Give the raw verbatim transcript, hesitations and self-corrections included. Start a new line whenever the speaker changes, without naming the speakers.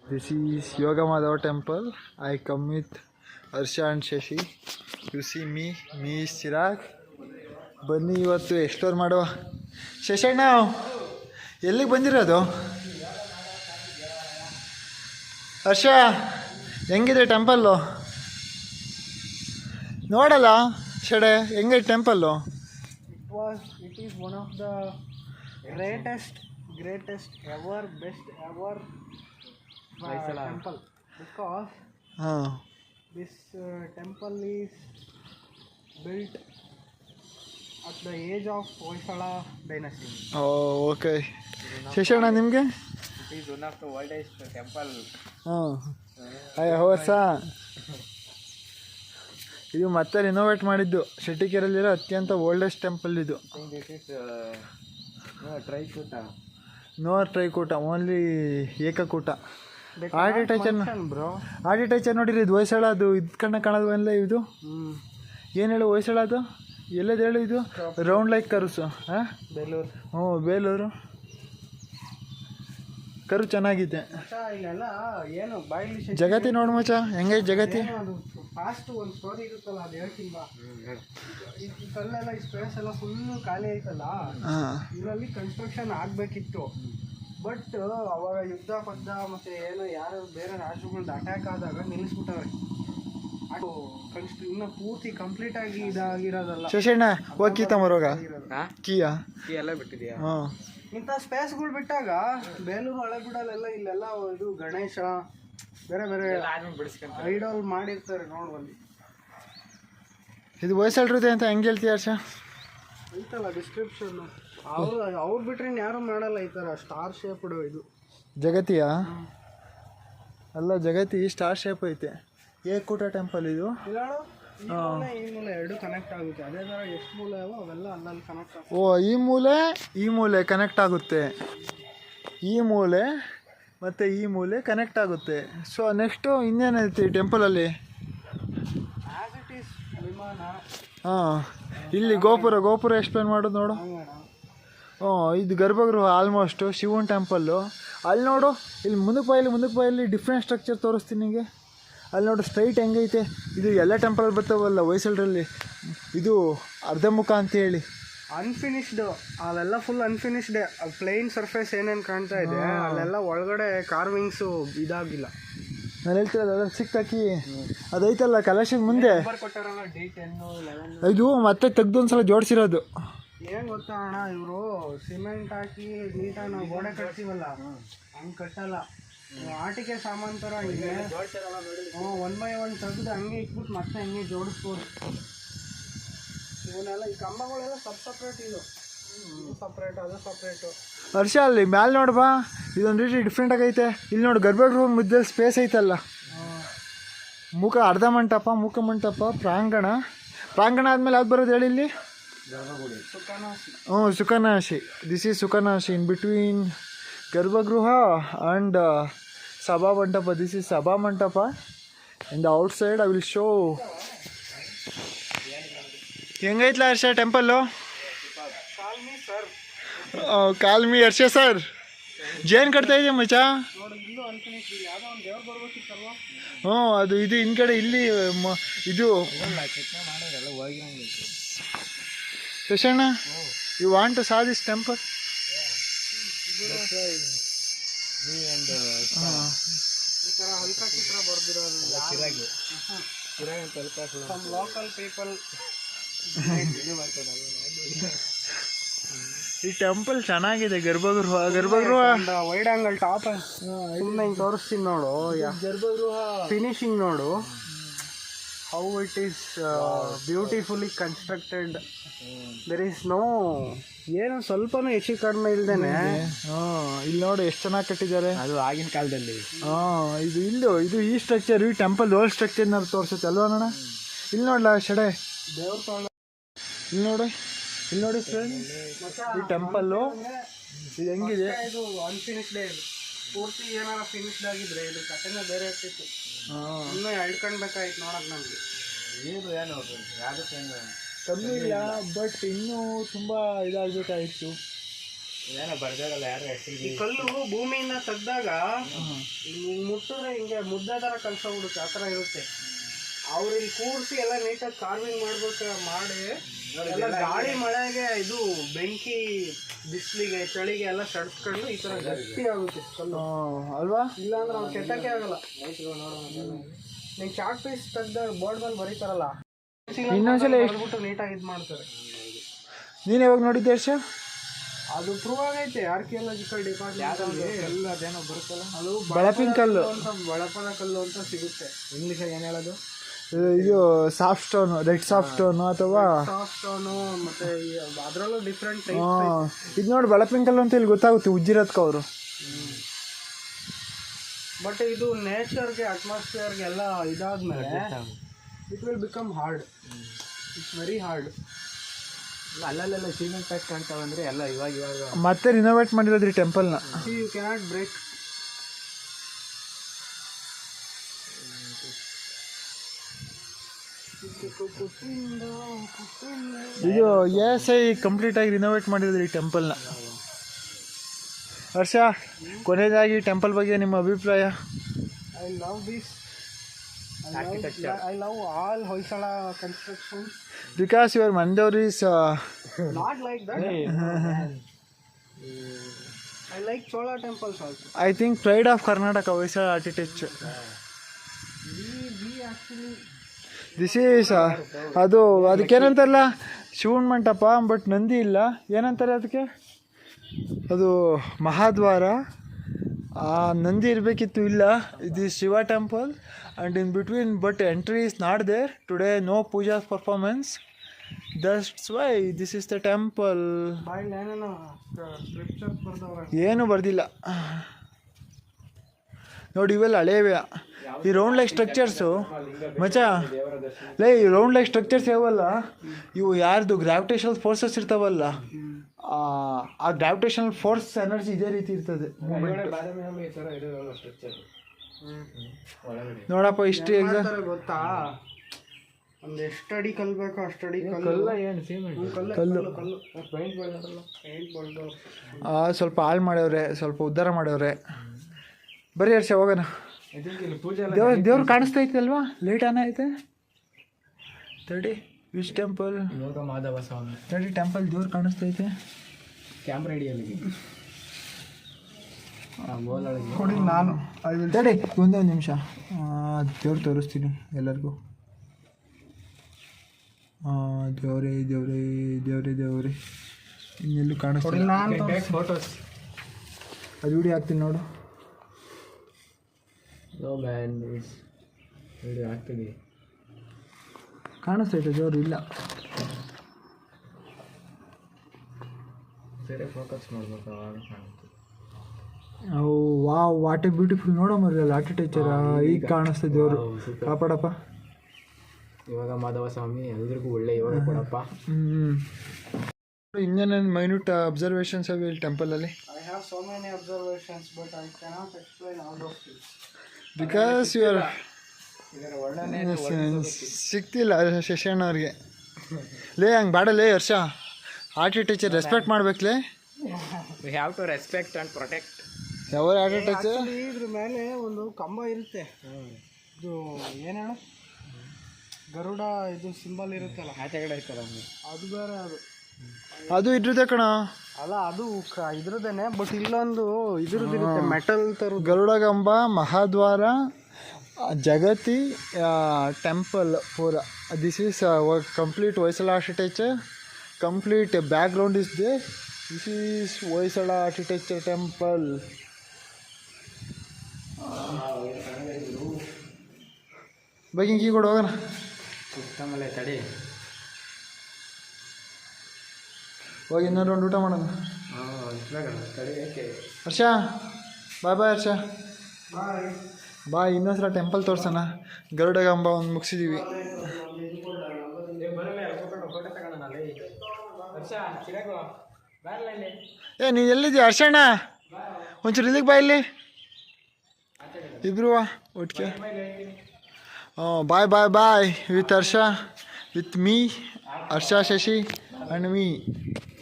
This is Yoga Madhava temple. I come with Harsha and Shashi. You see me, me is Chirag. ಬನ್ನಿ ಇವತ್ತು explore ಮಾಡುವ. ಶಶಣ್ಣ ಎಲ್ಲಿಗೆ ಬಂದಿರೋದು? ಹರ್ಷ ಹೆಂಗಿದೆ ಟೆಂಪಲ್ಲು? ನೋಡಲ್ಲ ಶಡೆ ಹೆಂಗಿದೆ temple?
It was, it is one of the greatest, greatest ever, best ever uh, temple because
ಹಾಂ
this uh, temple is built at the age of Hoysala dynasty.
Oh okay. ಶಶಣ್ಣ ನಿಮಗೆ?
It is one of the oldest temple.
ಹಾಂ ಅಯ್ಯ ಹೊಸ ಇದು ಮತ್ತೆ renovate ಮಾಡಿದ್ದು ಶೆಟ್ಟಿಕೆರಲ್ಲಿರೋ ಅತ್ಯಂತ ಓಲ್ಡೆಸ್ಟ್ ಟೆಂಪಲ್ ಇದು.
This is uh, no, Trikuta.
No Trikuta, only Ekakuta. Architecture
bro,
architecture ನೋಡಿರಿ ಇದು ಹೊಯ್ಸಳ, ಅದು ಇದು ಕಣ್ಣ ಕಾಣೋದು ಎಲ್ಲ ಇದು ಏನು ಹೇಳು ಹೊಯ್ಸಳ ಅದು ಎಲ್ಲದು ಹೇಳು ಇದು ರೌಂಡ್ ಲೈಕ್ ಕರುಸು. ಹಾಂ
ಬೇಲೂರು.
ಹ್ಞೂ ಬೇಲೂರು ಕರು ಚೆನ್ನಾಗಿದೆ.
ಇಲ್ಲೆಲ್ಲ ಏನು ಬಾಯಿಲಿ
ಜಗತಿ ನೋಡು ಮಚ್ಚ ಹೆಂಗೈತೆ ಜಗತಿ.
ಫಾಸ್ಟ್ ಒಂದು ಸ್ಟೋರಿ ಇರುತ್ತಲ್ಲ ಅದು ಹೇಳ್ತೀನಿ ಬಾ. ಈ ಕಲ್ಲೆಲ್ಲ ಈ ಸ್ಪೇಸ್ ಎಲ್ಲ ಫುಲ್ಲು ಖಾಲಿ ಐತಲ್ಲ, ಇದರಲ್ಲಿ ಕನ್ಸ್ಟ್ರಕ್ಷನ್ ಆಗಬೇಕಿತ್ತು. ಬಟ್ ಅವಾಗ ಯುದ್ಧ ಪದ್ದ ಮತ್ತು ಏನೋ ಯಾರು ಬೇರೆ ರಾಜ್ಯಗಳದ್ದು ಅಟ್ಯಾಕ್ ಆದಾಗ ನಿಲ್ಲಿಸ್ಬಿಟ್ಟವ್ರೆ. ಅದು ಕನ್ಸ್ಟ್ ಇನ್ನೂ ಪೂರ್ತಿ ಕಂಪ್ಲೀಟ್ ಆಗಿ ಇದಾಗಿರೋದಲ್ಲ.
ಶಶಣ್ಣ ಹೋಗಿ ಕೀ ತಮರೋಗ ಕೀಯಾ
ಕೀ ಎಲ್ಲ ಬಿಟ್ಟಿದೆಯಾ?
ಹಾಂ
ಇಂಥ ಸ್ಪೇಸ್ಗಳು ಬಿಟ್ಟಾಗ ಬೇಲೂರು ಹಳೆಬಿಡಲೆಲ್ಲ ಇಲ್ಲೆಲ್ಲ ಇದು ಗಣೇಶ ಬೇರೆ ಬೇರೆ ಐಡಲ್ ಮಾಡಿರ್ತಾರೆ ನೋಡ್ಬಲ್ಲಿ.
ಇದು ಹೊಯ್ಸಳರದೆ ಅಂತ ಹೆಂಗೆ ಹೇಳ್ತೀಯ ಹರ್ಷ?
ಐತಲ್ಲ ಡಿಸ್ಕ್ರಿಪ್ಷನ್. ಅವ್ರು ಅವ್ರು ಬಿಟ್ರೆ ಯಾರು ಮಾಡಲ್ಲ ಈ ಥರ ಸ್ಟಾರ್ ಶೇಪ್ಡ್ ಇದು.
ಜಗತಿಯಾ? ಅಲ್ಲ ಜಗತಿ ಸ್ಟಾರ್ ಶೇಪ್ ಐತೆ. ಏಕೂಟ ಟೆಂಪಲ್ ಇದು.
ಈ ಮೂಲೆ ಈ ಮೂಲೆ ಎರಡು ಕನೆಕ್ಟ್ ಆಗುತ್ತೆ. ಅದೇ ಥರ ಎಷ್ಟು ಮೂಲೆ ಅವೋ ಅವೆಲ್ಲ ಅಲ್ಲಲ್ಲಿ ಕನೆಕ್ಟ್ ಆಗುತ್ತೆ.
ಓ ಈ ಮೂಲೆ ಈ ಮೂಲೆ ಕನೆಕ್ಟ್ ಆಗುತ್ತೆ, ಈ ಮೂಲೆ ಮತ್ತು ಈ ಮೂಲೆ ಕನೆಕ್ಟ್ ಆಗುತ್ತೆ. ಸೊ ನೆಕ್ಸ್ಟು ಇನ್ನೇನೈತಿ ಟೆಂಪಲಲ್ಲಿ?
As it is vimana.
ಹಾಂ ಇಲ್ಲಿ ಗೋಪುರ ಗೋಪುರ ಎಕ್ಸ್ಪ್ಲೇನ್ ಮಾಡೋದು ನೋಡು. ಹ್ಞೂ ಇದು ಗರ್ಭಗೃಹ ಆಲ್ಮೋಸ್ಟು ಶಿವನ್ ಟೆಂಪಲ್ಲು. ಅಲ್ಲಿ ನೋಡು ಇಲ್ಲಿ ಮುಂದಕ್ಕೆ ಬಾಯಲ್ಲಿ ಮುಂದಕ್ಕೆ ಬಾಯಲ್ಲಿ ಡಿಫ್ರೆಂಟ್ ಸ್ಟ್ರಕ್ಚರ್ ತೋರಿಸ್ತೀನಿ ನಿಮಗೆ. ಅಲ್ಲಿ ನೋಡು ಸ್ಟ್ರೈಟ್ ಹೆಂಗೈತೆ. ಇದು ಎಲ್ಲ ಟೆಂಪಲ್ ಬರ್ತಾವಲ್ಲ ಹೊಯ್ಸಳರಲ್ಲಿ, ಇದು ಅರ್ಧಮುಖ ಅಂತೇಳಿ
ಅನ್ಫಿನಿಶ್ಡ್. ಅವೆಲ್ಲ ಫುಲ್ ಅನ್ಫಿನಿಶ್ಡ್. ಪ್ಲೇನ್ ಸರ್ಫೇಸ್ ಏನೇನು ಕಾಣ್ತಾ ಇದೆ ಅಲ್ಲೆಲ್ಲ ಒಳಗಡೆ ಕಾರ್ವಿಂಗ್ಸು ಇದಾಗಿಲ್ಲ.
ನಾನು ಹೇಳ್ತಿರೋದು ಅದ್ರ ಸಿಕ್ಕಾಕಿ ಅದೈತಲ್ಲ ಕಲಶದ ಮುಂದೆ
ಕೊಟ್ಟಾರಲ್ಲ ಡಿ ಟೆನ್ನು ಲೆವೆನ್.
ಇದು ಮತ್ತೆ ತೆಗ್ದು ಒಂದ್ಸಲ ಜೋಡಿಸಿರೋದು.
ಏನು ಗೊತ್ತಾ ಅಣ್ಣ, ಇವರು ಸಿಮೆಂಟ್ ಹಾಕಿ ನೀಟಾಗಿ ನಾವು ಗೋಡೆ ಕಟ್ತೀವಲ್ಲ ಹಂಗೆ ಕಟ್ಟಲ್ಲ. ಆಟಿಕೆ ಸಾಮಾನು ಥರ ಇದೆ. ಹ್ಞೂ ಒನ್ ಬೈ ಒನ್ ತೆಗೆದು ಹಂಗೆ ಇಟ್ಬಿಟ್ಟು ಮತ್ತೆ ಹಂಗೆ ಜೋಡಿಸ್ಬೋದು. ಇವನ್ನೆಲ್ಲ ಈ ಕಂಬಗಳೆಲ್ಲ ಸಬ್ ಸಪ್ರೇಟ್. ಇದು ಸಪ್ರೇಟ್ ಅದು ಸಪ್ರೇಟು.
ಹರ್ಷ ಅಲ್ಲಿ ಮ್ಯಾಲೆ ನೋಡ್ಬಾ, ಇದೊಂದು ರೀತಿ ಡಿಫ್ರೆಂಟ್ ಆಗೈತೆ. ಇಲ್ಲಿ ನೋಡು ಗರ್ಭಗೃಹ ಮಧ್ಯೆ ಸ್ಪೇಸ್ ಐತಲ್ಲ, ಮುಖ ಅರ್ಧ ಮಂಟಪ, ಮುಖ ಮಂಟಪ, ಪ್ರಾಂಗಣ. ಪ್ರಾಂಗಣ ಆದಮೇಲೆ ಯಾವ್ದು ಬರೋದು ಹೇಳಿ ಇಲ್ಲಿ? ಹ್ಞೂ sukhanasi. This is sukhanasi in between garbhagriha and sabha mantapa. This is sabha mantapa. In the outside I will show. ಹೆಂಗೈತ್ಲ Harsha temple? Call me Harsha sir. ಜೇನು ಕಟ್ತಾ ಇದೆಯಾ ಮಚ್ಚ? ಹ್ಞೂ ಅದು ಇದು ಹಿಂದ್ಗಡೆ ಇಲ್ಲಿ ಇದು ಶಶಣ್ಣ you want to saw this temple?
Local people
ಈ ಟೆಂಪಲ್ ಚೆನ್ನಾಗಿದೆ. Garbhagriha garbhagriha
wide angle top ಸುಮ್ಮನೆ ಹಿಂಗೆ ತೋರಿಸ್ತೀನಿ ನೋಡು.
ಗರ್ಭಗೃಹ
ಫಿನಿಶಿಂಗ್ ನೋಡು, how it is beautifully constructed. There is no ಏನು ಸ್ವಲ್ಪನೂ ಹೆಚ್ಚು ಕಡಿಮೆ ಇಲ್ದೇನೆ.
ಹಾಂ ಇಲ್ಲಿ ನೋಡು ಎಷ್ಟು ಚೆನ್ನಾಗಿ ಕಟ್ಟಿದ್ದಾರೆ.
ಅದು ಆಗಿನ ಕಾಲದಲ್ಲಿ.
ಹಾಂ ಇದು ಇಲ್ಲೂ ಇದು ಈ ಸ್ಟ್ರಕ್ಚರ್ ಈ ಟೆಂಪಲ್ ಓಲ್ಡ್ ಸ್ಟ್ರಕ್ಚರ್ನ ತೋರಿಸುತ್ತೆ ಅಲ್ವಾ ಅಣ್ಣ? ಇಲ್ಲಿ ನೋಡ್ಲಾ ಶಡೆ
ದೇವ್ರ ತೊಗೊಂಡು
ಇಲ್ಲಿ ನೋಡಿ, ಇಲ್ಲಿ ನೋಡಿ ಫ್ರೆಂಡ್ಸ್ ಈ ಟೆಂಪಲ್ಲು ಇದು ಹೆಂಗಿದೆ.
ಇದು ಅನ್ಫಿನಿಶ್ಡ್. ಇದು ಪೂರ್ತಿ ಏನಾರ ಫಿನಿಶ್ಡ್ ಆಗಿದ್ರೆ ಇದು ಕಥೆನೇ ಬೇರೆ ಇರ್ತಿತ್ತು.
ಹಾಂ
ಇನ್ನೂ ಹೇಳ್ಕೊಳ್ಬೇಕಾಯ್ತು ನೋಡೋಕೆ ನಮಗೆ.
ಏನು ಏನು ಯಾವುದಕ್ಕೇನು ಕಮ್ಮಿ ಇಲ್ಲ, ಬಟ್ ಇನ್ನೂ ತುಂಬ ಇದಾಗಬೇಕಾಗಿತ್ತು.
ಏನೋ ಬರ್ದಾರಲ್ಲ ಯಾರು. ಈ ಕಲ್ಲು ಭೂಮಿಯಿಂದ ತೆಗ್ದಾಗ ಮುಟ್ಟ ಮುಟ್ಟಿದ್ರೆ ಹಿಂಗೆ ಮುದ್ದೆ ಥರ ಕಲ್ಸೋಗ್ಬಿಡುತ್ತೆ, ಆ ಥರ ಇರುತ್ತೆ. ಅವ್ರು ಇಲ್ಲಿ ಕೂರಿಸಿ ಎಲ್ಲ ನೀಟಾಗಿ ಕಾರ್ವಿಂಗ್ ಮಾಡ್ಬೇಕು ಮಾಡಿ ಎಲ್ಲ ಗಾಳಿ ಮಳೆಗೆ ಇದು ಬೆಂಕಿ ಬಿಸಿಲಿಗೆ ಚಳಿಗೆ ಎಲ್ಲ ಸಡ್ಸ್ಕೊಂಡು ಈ ಥರ ಗಟ್ಟಿ ಆಗುತ್ತೆ ಕಲ್ಲು
ಅಲ್ವಾ?
ಇಲ್ಲಾಂದ್ರೆ ಅವ್ರು ಕೆತ್ತಕ್ಕೆ ಆಗಲ್ಲ. ನೀವು ಚಾಕ್ ಪೀಸ್ ತೆಗ್ದ ಬೋರ್ಡ್ ಮೇಲೆ ಬರೀತಾರಲ್ಲ,
ಇನ್ನೊಂದ್ಸಲ
ಬಿಟ್ಟು ನೀಟಾಗಿ ಇದು ಮಾಡ್ತಾರೆ.
ನೀನು ಯಾವಾಗ ನೋಡಿದ್ದೆ ಹರ್ಷ?
ಅದು ಪ್ರೂವ್ ಆಗೈತೆ ಆರ್ಕಿಯಾಲಜಿಕಲ್ ಡಿಪಾರ್ಟ್ಮೆಂಟ್ ಎಲ್ಲ ಅದೇನೋ ಬರುತ್ತಲ್ಲ, ಅದು
ಬಳಪಿನ ಕಲ್ಲು
ಅಂತ ಬಳಪದ ಕಲ್ಲು ಅಂತ ಸಿಗುತ್ತೆ. ಇಂಗ್ಲೀಷಾಗಿ ಏನು ಹೇಳೋದು?
ಇದು soft stone, red soft stone ಅಥವಾ
ಸಾಫ್ಟ್ ಸ್ಟೋನು, ಮತ್ತೆ ಅದರಲ್ಲೂ ಡಿಫ್ರೆಂಟ್ ಟೈಪ್.
ಹಾಂ, ಇದು ನೋಡಿ ಬಳಪಿನ ಕಲ್ಲು ಅಂತ ಇಲ್ಲಿ ಗೊತ್ತಾಗುತ್ತೆ ಉಜ್ಜಿರೋದ್ಕ ಅವರು.
ಬಟ್ ಇದು ನೇಚರ್ಗೆ ಅಟ್ಮಾಸ್ಫಿಯರ್ಗೆ ಎಲ್ಲ ಇದಾದ್ಮೇಲೆ it will become hard. It's very hard.
ಅಲ್ಲಲ್ಲೆಲ್ಲ ಸಿಮೆಂಟ್ ಪ್ಯಾಕ್ ಕಾಣ್ತಾವಂದ್ರೆ ಎಲ್ಲ ಇವಾಗ ಇವಾಗ
ಮತ್ತೆ ರಿನೋವೇಟ್ ಮಾಡಿರೋದ್ರಿ ಟೆಂಪಲ್ನ.
You cannot break.
ಇದು ಎಸ್ ಐ ಕಂಪ್ಲೀಟ್ ಆಗಿ ರಿನೋವೇಟ್ ಮಾಡಿರೋದ್ರಿ ಈ ಟೆಂಪಲ್ನ. ಹರ್ಷ, ಕೊನೆಯದಾಗಿ ಟೆಂಪಲ್ ಬಗ್ಗೆ ನಿಮ್ಮ ಅಭಿಪ್ರಾಯ?
I love this. I love all Hoysala constructions.
Because your Mandaur is uh,
not like that. I like Chola temples also.
I think pride of Karnataka Hoysala architecture.
We we actually
this is uh, ಅದು ಅದಕ್ಕೇನಂತಾರಲ್ಲ ಶಿವನ್ ಮಂಟಪ, but Nandi ಇಲ್ಲ. ಏನಂತಾರೆ ಅದಕ್ಕೆ? ಅದು ಮಹಾದ್ವಾರ. ಆ ನಂದಿ ಇರಬೇಕಿತ್ತು, ಇಲ್ಲ. ಇದು Shiva temple and in between, but entry is not there today. No puja performance, that's why this is the temple.
by ಏನೇನೋ ಸ್ಕ್ರಿಪ್ಚರ್ ಬರ್ದವ್ರೆ,
ಏನು ಬರ್ದಿಲ್ಲ ನೋಡಿ. ಇವೆಲ್ಲ ಹಳೇವೆ. ಈ ರೌಂಡ್ ಲೈಕ್ ಸ್ಟ್ರಕ್ಚರ್ಸು ಮಚ ಲೈ ಈ ರೌಂಡ್ ಲೈಕ್ ಸ್ಟ್ರಕ್ಚರ್ಸ್ ಯಾವಲ್ಲ, ಇವು ಯಾರ್ದು ಗ್ರಾವಿಟೇಷನಲ್ ಫೋರ್ಸಸ್ ಇರ್ತಾವಲ್ಲ, ಆ ಗ್ರಾವಿಟೇಷನಲ್ ಫೋರ್ಸ್ ಎನರ್ಜಿ ಇದೇ ರೀತಿ ಇರ್ತದೆ. ನೋಡಪ್ಪ ಇಷ್ಟು ಎಕ್ಸಾಮ್
ಗೊತ್ತಾ? ಒಂದು ಎಷ್ಟು ಅಡಿ ಕಲ್ಬೇಕು ಅಷ್ಟಡಿ
ಕಲ್ಲ ಏನು ಸಿಮೆಂಟ್
ಕಲ್ಲು
ಪೈಂಟ್ ಬಳ್ದಾರಲ್ಲ,
ಪೇಂಟ್ ಬಳ್ದು
ಸ್ವಲ್ಪ ಹಾಳು ಮಾಡ್ಯವ್ರೆ, ಸ್ವಲ್ಪ ಉದ್ಧಾರ ಮಾಡ್ಯವ್ರೆ. ಬರೀ ಹರ್ಷ ಹೋಗೋಣ.
ಇಲ್ಲಿ ಪೂಜೆ
ದೇವ್ರ ದೇವ್ರು ಕಾಣಿಸ್ತೈತೆ ಅಲ್ವಾ? ಲೇಟ್ ಆನ ಐತೆ ತಡಿ. Which temple?
ಯೋಗ ಮಾಧವ ಸ್ವಾಮಿ
ತಡಿ, ಟೆಂಪಲ್ ದೇವ್ರು ಕಾಣಿಸ್ತೈತೆ.
ಕ್ಯಾಮ್ರಾ ಹಿಡಿಯಲ್ಲಿ
ಕೊಡಿ ನಾನು ತಡಿ ಒಂದೇ ಒಂದು ನಿಮಿಷ. ದೇವ್ರು ತೋರಿಸ್ತೀನಿ ಎಲ್ಲರಿಗೂ. ದೇವ್ರೇ ದೇವ್ರೇ ದೇವ್ರೇ ದೇವ್ರೇ ಇನ್ನೆಲ್ಲೂ ಕಾಣಿಸ್ತೀನಿ.
ಫೋಟೋಸ್
ಅದು ವಿಡಿಯೋ ಹಾಕ್ತೀನಿ ನೋಡು.
ವಿಡಿಯೋ ಹಾಕ್ತೀನಿ.
ಕಾಣಿಸ್ತೈತೆ ದೇವ್ರು? ಇಲ್ಲ.
ಸರಿ, ಫೋಕಸ್ ಮಾಡ್ಬೇಕು, ಅವಾಗ ಕಾಣುತ್ತೆ.
ಓ ವಾ, ವಾಟ್ ಎ ಬ್ಯೂಟಿಫುಲ್. ನೋಡೋ ಮರಲ್ಲ ಆರ್ಕಿಟೆಕ್ಚರ್. ಈಗ ಕಾಣಿಸ್ತದೆ ದೇವರು. ಕಾಪಾಡಪ್ಪ.
ಇವಾಗ ಮಾಧವ ಸ್ವಾಮಿ ಎಲ್ರಿಗೂ ಒಳ್ಳೆ ಯೋಗ ಕೊಡಪ್ಪ.
ಹ್ಞೂ. ಇನ್ನೇನೇನು ಮೈನ್ಯೂಟ್ ಅಬ್ಸರ್ವೇಷನ್ಸ್ ಅವೆ ಇಲ್ಲಿ ಟೆಂಪಲಲ್ಲಿ?
I have so many observations, but I cannot explain all of this.
Because you are
ಇದರ ವರ್ಣನೆ
ಸಿಗ್ತಿಲ್ಲ ಶಶಣ್ಣ ಅವ್ರಿಗೆ. ಲೇ ಹಂಗೆ ಬಾಡಲೇ ಹರ್ಷ. ಆರ್ಕಿಟೆಕ್ಚರ್ ರೆಸ್ಪೆಕ್ಟ್ ಮಾಡ್ಬೇಕಲೇ.
We have to respect and protect
ಯಾವ ಆರ್ಕಿಟೆಕ್ಚರ್.
ಇದ್ರ ಮೇಲೆ ಒಂದು ಕಂಬ ಇರುತ್ತೆ, ಇದು ಏನು ಹೇಳು, ಗರುಡ ಇದು ಸಿಂಬಲ್ ಇರುತ್ತಲ್ಲ,
ಆಚೆ ಕಡೆ ಐತಲ್ಲ
ಅದು ಬೇರೆ. ಅದು
ಅದು ಇದ್ರದ್ದೇ ಕಣ.
ಅಲ್ಲ, ಅದು ಕ ಇದ್ರದ್ದೇನೆ, ಬಟ್ ಇಲ್ಲೊಂದು ಇದ್ರದ್ದಿರುತ್ತೆ ಮೆಟಲ್ ಥರ.
ಗರುಡಗಂಬ, ಮಹಾದ್ವಾರ, ಜಗತಿ ಟೆಂಪಲ್ ಪೂರ. This is complete Hoysala architecture. Complete background is they. This is Hoysala architecture temple. ಬಗ್ಗೆ ಕೀ ಕೊಡು ಹೋಗೋಣ.
ಸುತ್ತಮಲೆ ತಡಿ,
ಹೋಗಿ ಇನ್ನೊಂದು ರೌಂಡ್ ಊಟ ಮಾಡೋಣ.
ತಡಿ. ಯಾಕೆ
ಹರ್ಷ ಬಾಯ್ ಬಾಯ್. ಹರ್ಷ ಬಾಯ್. ಇನ್ನೊಂದ್ಸಲ ಟೆಂಪಲ್ ತೋರ್ಸೋಣ. ಗರುಡಗಂಬ ಒಂದು ಮುಗಿಸಿದ್ದೀವಿ. ಏ ನೀನು ಎಲ್ಲಿದ್ದೀಯ ಹರ್ಷಣ್ಣ? ಒಂಚೂರು ಇಲ್ಲಿಗೆ ಬಾ. ಇಲ್ಲಿ ಇಬ್ರು ಒಟ್ಟಿಗೆ. ಹಾಂ, bye bye bye with Harsha, with me, Harsha, Shashi and me.